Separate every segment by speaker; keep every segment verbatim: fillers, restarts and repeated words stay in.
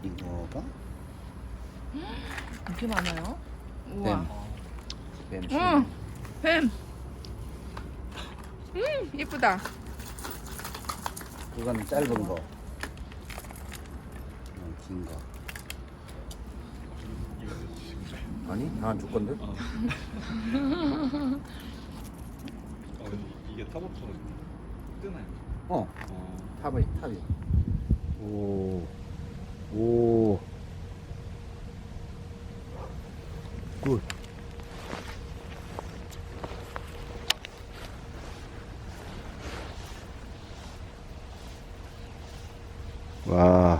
Speaker 1: 이거가
Speaker 2: 이렇게 많아요? 우와.
Speaker 1: 뱀. 뱀.
Speaker 2: 응, 뱀. 음, 예쁘다.
Speaker 1: 그건 짧은 거. 이건 긴 거. 아니, 나 줄 건데.
Speaker 3: 아, 근데 이게 타버터가 뜨나요?
Speaker 1: 어,
Speaker 3: 어.
Speaker 1: 탑이 탑이. 오, 오. 굿. 와.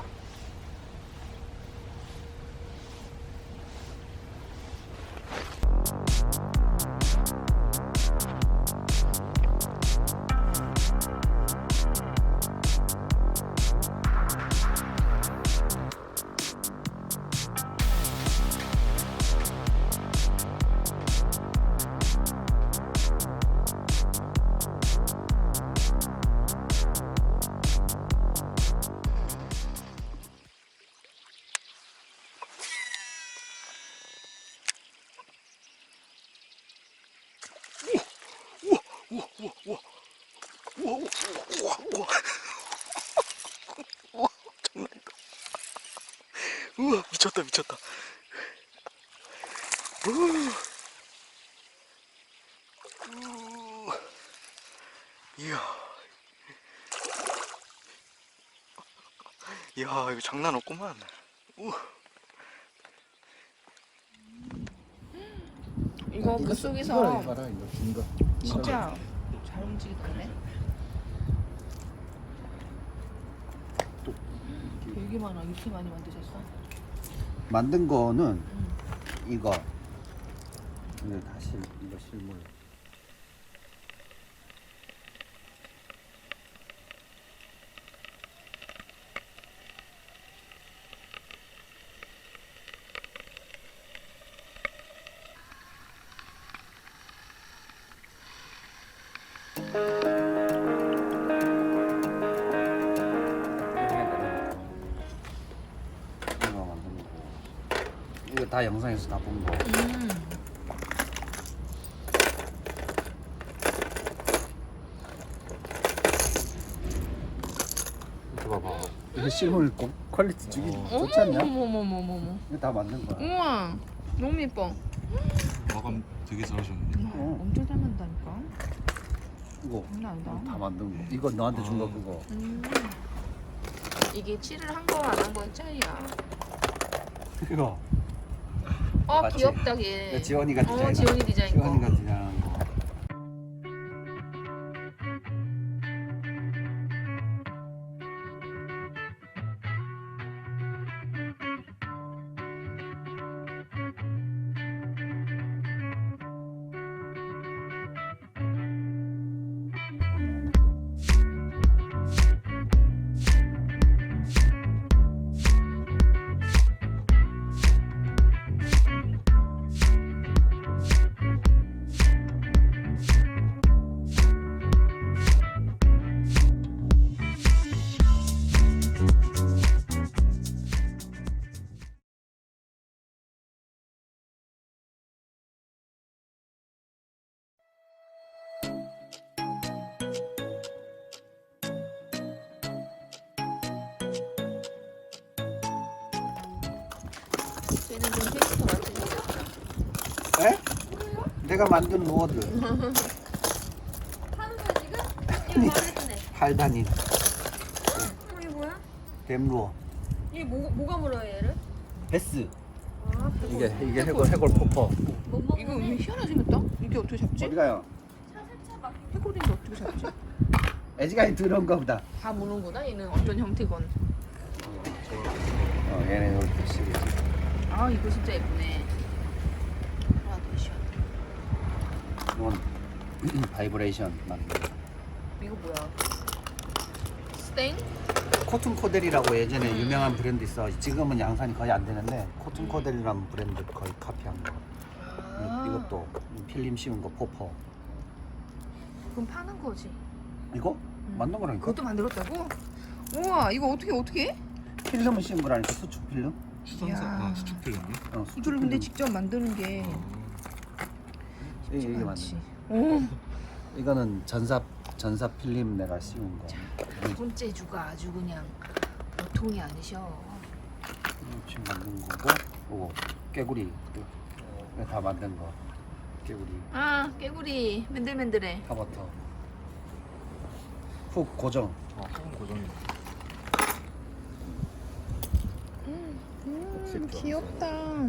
Speaker 1: 우와, 우와, 우와, 우와, 우와, 우와, 우와, 장난 아니다. 우와, 미쳤다, 미쳤다. 우와, 우와, 이야, 이야, 이거 장난 없구만. 우와.
Speaker 2: 이거 물 속에서
Speaker 1: 봐라, 이거 긴 거.
Speaker 2: 진짜 잘 움직이던데. 되게 많아. 이렇게 많이 만드셨어?
Speaker 1: 만든 거는
Speaker 2: 응.
Speaker 1: 이거. 이거 다 실, 이거 실물. 이거 만든 거고. 이거 다 영상에서 다 본 거.
Speaker 2: 음.
Speaker 1: 이거 봐봐. 이거 실물 고- 퀄리티 죽이
Speaker 2: 어머,
Speaker 1: 좋지 않냐?
Speaker 2: 어머, 어머, 어머, 어머, 어머.
Speaker 1: 이거 다 만든 거야.
Speaker 2: 우와, 너무 예뻐.
Speaker 3: 마감 되게 잘하셨는데.
Speaker 2: 우와,
Speaker 1: 어.
Speaker 2: 엄청 잘 만든다니까.
Speaker 1: 이거
Speaker 2: 장난 아니다.
Speaker 1: 다 만든 거. 이거 너한테 준 거
Speaker 3: 아.
Speaker 1: 그거.
Speaker 2: 음. 이게 칠을 한 거 안 한 거의 차이야.
Speaker 1: 이거.
Speaker 2: 어,
Speaker 1: 맞지?
Speaker 2: 귀엽다 걔.
Speaker 1: 이거 지원이가
Speaker 2: 어,
Speaker 1: 디자인.
Speaker 2: 지원이 디자인 거.
Speaker 1: 지원이가 디자인한 거.
Speaker 2: 쟤는 좀 캐릭터 같은 거.
Speaker 1: 에? 내가 만든 로드.
Speaker 4: 하는 거야 지금? 이거 말했네.
Speaker 1: 팔 단인
Speaker 4: 어, 이게 뭐야?
Speaker 1: 뱀루어.
Speaker 4: 이게 뭐, 뭐가 물어요 얘를?
Speaker 1: 베스.
Speaker 4: 아,
Speaker 1: 이게 이게 해골 해골 포퍼.
Speaker 4: 못 먹는
Speaker 2: 이거 왜 희한하게 생겼다? 이게 어떻게 잡지?
Speaker 1: 어디 가요?
Speaker 4: 차차차
Speaker 2: 해골인데 어떻게 잡지?
Speaker 1: 애지간히 들어온가 보다.
Speaker 2: 다 모르는구나 얘는 어떤 형태건.
Speaker 1: 어, 얘네 이렇게 시리즈.
Speaker 2: 아 이거 진짜 예쁘네. 그라데이션.
Speaker 1: 이건 바이브레이션 만든 거.
Speaker 2: 이거 뭐야? 스탱?
Speaker 1: 코튼 코델이라고 예전에
Speaker 2: 음.
Speaker 1: 유명한 브랜드 있어. 지금은 양산이 거의 안 되는데 코튼 코델이라는 브랜드 거의 카피한 거.
Speaker 2: 아,
Speaker 1: 이것도 필름 씌운 거 포퍼.
Speaker 2: 그럼 파는 거지.
Speaker 1: 이거 만든 거라니까.
Speaker 2: 그것도 만들었다고? 우와 이거 어떻게 어떻게 해?
Speaker 1: 필름을 씌운 거라니까 수축 필름?
Speaker 3: 수선사
Speaker 2: 이야.
Speaker 3: 아 수축 필름이?
Speaker 1: 어, 수축
Speaker 2: 이거를 근데
Speaker 1: 필름.
Speaker 2: 직접 만드는 게
Speaker 1: 이게, 이게 맞네.
Speaker 2: 많지. 오,
Speaker 1: 이거는 전사 전사 필름 내가 씌운 거.
Speaker 2: 두 번째 주가 아주 그냥 보통이 아니셔.
Speaker 1: 지금 만든 거고, 오고 깨구리 또 다 만든 거. 깨구리
Speaker 2: 아, 깨구리 맨들맨들해.
Speaker 1: 타버터 훅 고정.
Speaker 3: 아 소금 고정이.
Speaker 2: 음, 음,
Speaker 1: 엑셀도
Speaker 2: 귀엽다.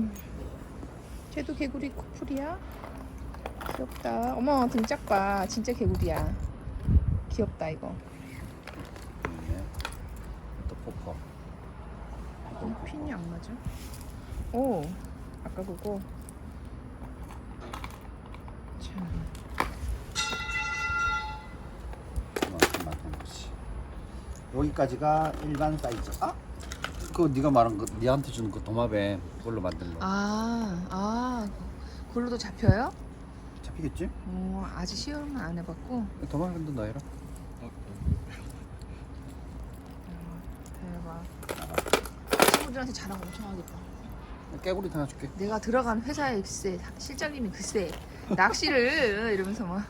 Speaker 2: 쟤도 개구리 커플이야? 귀엽다. 어머, 등짝 봐. 진짜 개구리야. 귀엽다 이거.
Speaker 1: 네. 또 포퍼.
Speaker 2: 이 핀이 안 맞아? 오, 아까 그거. 참.
Speaker 1: 그만큼 만든 거지. 여기까지가 일반 사이즈. 아? 그거 네가 말한 거, 니한테 준 그 도마뱀 그걸로 만든 거.
Speaker 2: 아, 아, 그걸로도 잡혀요?
Speaker 1: 잡히겠지?
Speaker 2: 어, 아직 시험은 안 해봤고.
Speaker 1: 도마뱀도 넣어라.
Speaker 3: 어,
Speaker 2: 대박. 친구들한테 자랑 엄청 하겠다.
Speaker 1: 깨구리 하나 줄게.
Speaker 2: 내가 들어간 회사에 글쎄 실장님이 글쎄 낚시를 이러면서 막.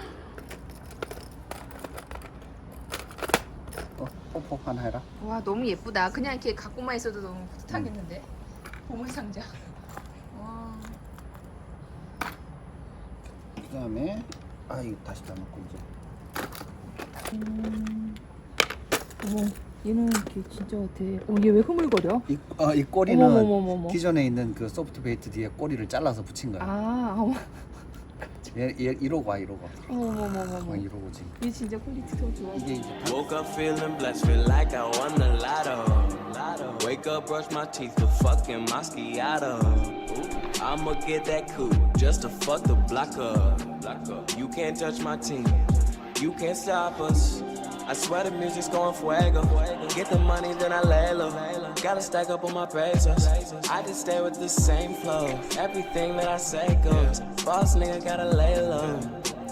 Speaker 1: 어, 포포 하나 해라.
Speaker 2: 와, 너무 예쁘다. 그냥 이렇게 갖고만 있어도 너무 뿌듯하겠는데. 보물 상자. 와.
Speaker 1: 그다음에 아 이거 다시 다 넣고 이제.
Speaker 2: 음. 어머, 얘는 이렇게 진짜 같아. 어, 얘 왜 흐물거려?
Speaker 1: 이, 어, 이 꼬리는
Speaker 2: 어머머머머머.
Speaker 1: 기존에 있는 그 소프트 베이트 뒤에 꼬리를 잘라서 붙인 거야.
Speaker 2: 아, 어머,
Speaker 1: 얘, 얘 이러고 와 이러고.
Speaker 2: 어머머머머머.
Speaker 1: 어, 이러고 지금.
Speaker 2: 얘 진짜 퀄리티 더 좋아.
Speaker 1: 이게 이제 다
Speaker 5: Woke up feeling blessed, feel like I won the lotto. Wake up, brush my teeth with fucking Moscato. I'ma get that coupe just to fuck the block up. You can't touch my team, you can't stop us. I swear the music's going fuego. Get the money, then I lay low. Gotta stack up on my pesos. I just stay with the same flow. Everything that I say goes. Boss nigga gotta lay low.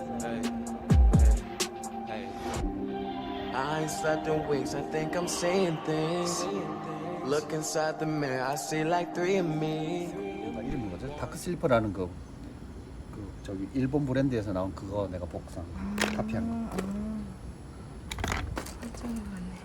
Speaker 5: I ain't slept in weeks, I think I'm seeing things. Look inside the mirror, I see like three of me.
Speaker 1: 뭐가 이름이 뭐죠? 다크 슬리퍼라는 그, 그 저기 일본 브랜드에서 나온 그거 내가 복상 카피한 거.
Speaker 2: 살짝 맞네.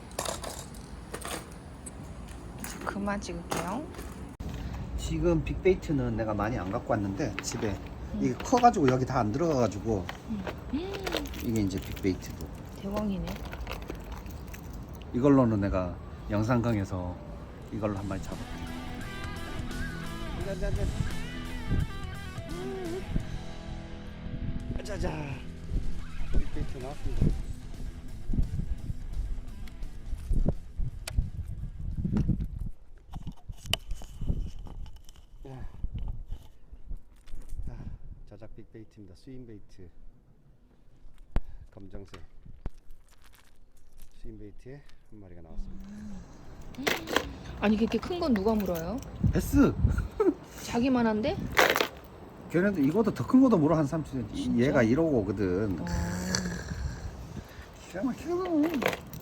Speaker 2: 이제 그만 찍을게요.
Speaker 1: 지금 빅베이트는 내가 많이 안 갖고 왔는데 집에 이게 커가지고 여기 다 안 들어가가지고 이게 이제 빅베이트도
Speaker 2: 대왕이네.
Speaker 1: 이걸로는 내가 영상 강에서 이걸로 한 마리 잡았대. 짜자자. 짜자. 빅베이트 나왔습니다. 자작 빅베이트입니다. 스윙베이트 검정색 스윙베이트에 한 마리가 나왔습니다.
Speaker 2: 아니, 그렇게 큰 건 누가 물어요?
Speaker 1: 베스!
Speaker 2: 자기만한데?
Speaker 1: 걔네도 이거도 더 큰 거도 물어 한 삼십 센티미터.
Speaker 2: 진짜?
Speaker 1: 얘가 일오오거든.
Speaker 2: 어,
Speaker 1: 기가 막히거든.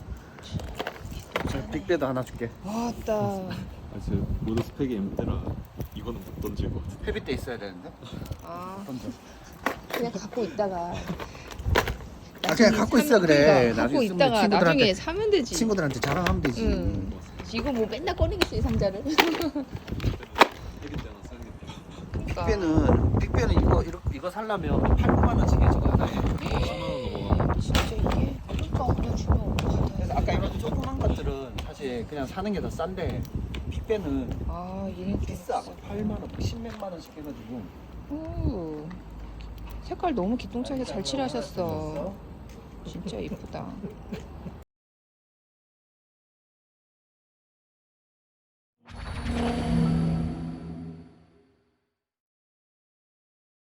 Speaker 1: 자, 빅베도 하나 줄게.
Speaker 2: 왔다.
Speaker 3: 아 진짜 모드 스펙이 엠때라 이거는 못 던질 것 같아.
Speaker 1: 헤비 때 있어야 되는데.
Speaker 2: 아,
Speaker 1: 던져.
Speaker 2: 그냥 갖고 있다가.
Speaker 1: 아, 그냥 갖고 있어 그래.
Speaker 2: 갖고
Speaker 1: 나중에 쓰면
Speaker 2: 있다가
Speaker 1: 친구들한테-
Speaker 2: 나중에 사면 되지.
Speaker 1: 친구들한테 자랑하면 되지.
Speaker 2: 응. 이거 뭐 맨날 꺼내겠어 이 상자를.
Speaker 3: 헤비 때나 사야겠다.
Speaker 2: 그러니까.
Speaker 1: 빅베는 빅베는 이거 이거 이거 살려면 팔, 구만 원씩에 저거 하나에.
Speaker 3: 십만 원 넘어가.
Speaker 2: 진짜 이게 그러니까 그냥 주면
Speaker 1: 그래서 아까 이런 조그만 것들은 사실 그냥 사는 게 더 싼데 빅베는
Speaker 2: 아, 얘는 좀
Speaker 1: 비싸. 팔만 원, 십몇만 원씩 해가지고.
Speaker 2: 오, 색깔 너무 기똥차게 잘 칠하셨어. 진짜 예쁘다.